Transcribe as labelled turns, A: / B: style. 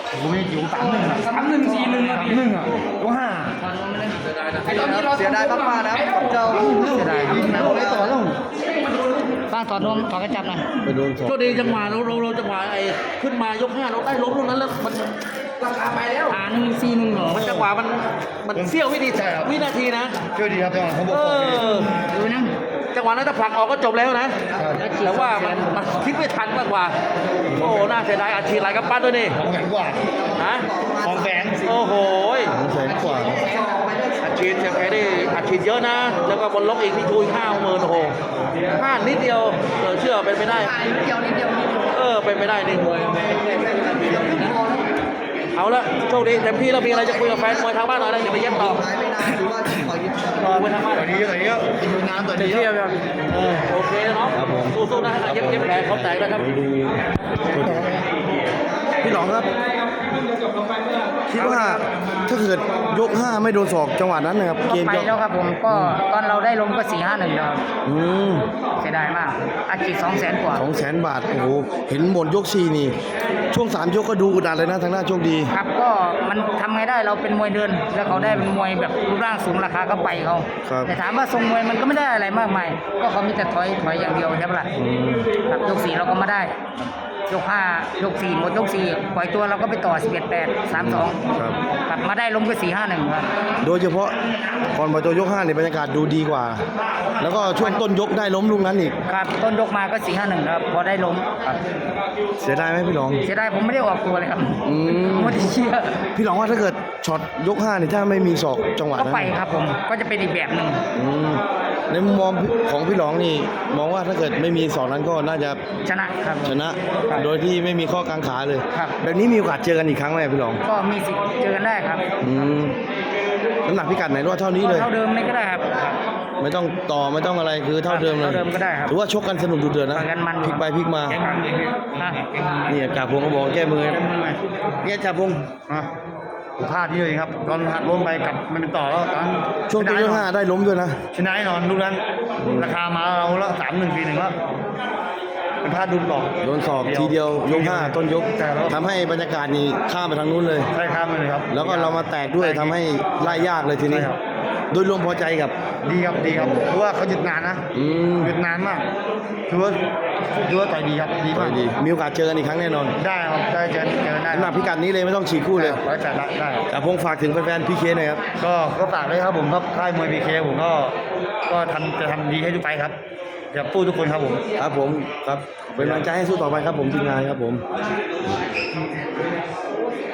A: ผมไม่อยู่3-1
B: 3-1 4-1
A: 3-1อ่ะยก5
C: เสียดายมากๆนะครับกับเจ้า
A: เสียดายยิงนะเลยต่อแล้วป้าถอดนมถอดกระจับหน่อยไปโดนสอง
B: โชคดีจังหวะเราจังหวะไอ้ขึ้นมายก5เราได้ล้มตรงนั้นแล้วมันราคาไปแล้ว
A: 1-4-1เหรอ
B: มันจังหวะมันเสี้ยววินาทีนะ
A: เชื่อดีครับจังหวะเขาบอกดูนะ
B: จังหวะนั้นถ้าผลักออกก็จบแล้วนะแต่ว่ามันคิดไม่ทันมากกว่าโอ้น่าเสียดายอัดฉีดหลายกำปั้นด้วยนี่
A: 200,000 กว่า
B: ฮะ
A: 200,000
B: โอ้โห
A: 200,000 กว่า
B: อัดฉีดเสียแพ้ได้อัดฉีดเยอะนะแล้วก็บนล็อกอีกพี่ชู50,000โอ้โห5นิดเดียวเชื่อเป็นไปได้
C: นิดเดียว
B: เป็นไปได้นี่เอาละโชคดีเต็มที่แล้วมีอะไรจะคุยกับแฟนมวยทางบ้านหน่อยนะเดี๋ยวไปเย็บต่อ
C: ไม่นานหรือว่าปล่อย
B: ไปทางบ้าน
A: ต่อยดีดูน้ำต่อยดี
B: โอเคเนาะสู้ๆนะเย็บแผลเขาแตกนะครับ
A: พี่หลองครับคิดว่าถ้าเกิดยก5ไม่โดนศอกจังหวะนั้นนะครับ
D: เกมไปแล้วครับผมก็ตอนเราได้ลงก็4-5-1แล้วเสียดายมากอาชีพ200,000 กว่า
A: 200,000 บาทโอ้โหเห็นหมดยก4นี่ช่วง3ยกก็ดูอุดอัดเลยนะทางหน้าโชคดี
D: ครับก็มันทำไงได้เราเป็นมวยเดินแล้วเขาได้เป็นมวยแบบรูปร่างสูงราคาก็ไปเขาแต่ถามว่าทรงมวยมันก็ไม่ได้อะไรมากมายก็เขามีแต่ถอยอย่างเดียวใช่ปะล่ะครับยก4เราก็มาได้ยก5ยก4หมดยก4ปล่อยตัวเราก็ไปต่อ11-8 3-2กลับมาได้ล้มก็4-5-1ครับ
A: โดยเฉพาะก่อนปล่อยตัวยก5เนี่ยบรรยากาศดูดีกว่าแล้วก็ช่วงต้นยกได้ล้มลูกนั้นอีก
D: ครับต้นยกมาก็4-5-1ครับพอได้ล้มครับ
A: เสียดายไหมพี่หลอง
D: เสียดายผมไม่ได้ออกตัวเลยครับไม่ได้เชื่อ
A: พี่หลองว่าถ้าเกิดช็อตยก5เนี่ยถ้าไม่มีศอกจังหวะ
D: นั้นก็ไปครับผมก็จะเป็นอีกแบบนึง
A: ในมุมมองของพี่หลองนี่มองว่าถ้าเกิดไม่มีศอกนั้นก็น่าจะ
D: ชนะครับ
A: ชนะโดยที่ไม่มีข้อกังขาเลยแบบนี้มีโอกาสเจอกันอีกครั้งไหมพี่หลอง
D: ก็มีสิทธิ์เจอกันได้ครับ
A: น้ำหนักพิกัดไหนว่าเท่านี้เลย
D: เท่าเดิมไม่ก็ได้ครับ
A: ไม่ต้องต่อไม่ต้องอะไรคือเท่าเดิมเลย
D: เท่าเดิมก็ได้ครับ
A: ถือว่าชกกันสนุกดุเดือดนะพลิกไปพลิกมานี่จ่าพงก็บอกแก้มือเนี่ยจ่าพง
E: พลาดที่เลยครับตอนหักล้มไปกลับมันเป็นต่อแล้วตอน
A: ช่วงต้นยก5ได้ล้มด้วยนะ
E: ชนะแน่นอนลูกนั้นราคามาเราละ3-1 4-1แล้วเป็นพลาดดุลหลอก
A: โดนศอกทีเดียวยก5ต้นยกทำให้บรรยากาศนี่ข้ามไปทางนู้นเลย
E: ใช่ข้ามไปเลยครับ
A: แล้วก็เรามาแตกด้วยทำให้ไล่ยากเลยทีนี้โดยรวมพอใจกับ
E: ดีครับเพราะว่าเขาหยุดงานนะหยุดนานมากถือว่าต่อยดีครับดีมาก
A: มีโอกาสเจอกันอีกครั้งแน่นอน
E: ได้ครับได้เจอได้
A: หนักพิกัดนี้เลยไม่ต้องฉีกคู่เลย
E: ได้
A: จ่าพงฝากถึงแฟนๆพีเคหน่อยครับ
E: ก็ฝากเลยครับผมครับค่ายมวยพีเคผมก็จะทำดีให้ทุกไปครับจะพูดทุกคนครับผม
A: ครับเป็นกำลังใจให้สู้ต่อไปครับผมทีมงานครับผม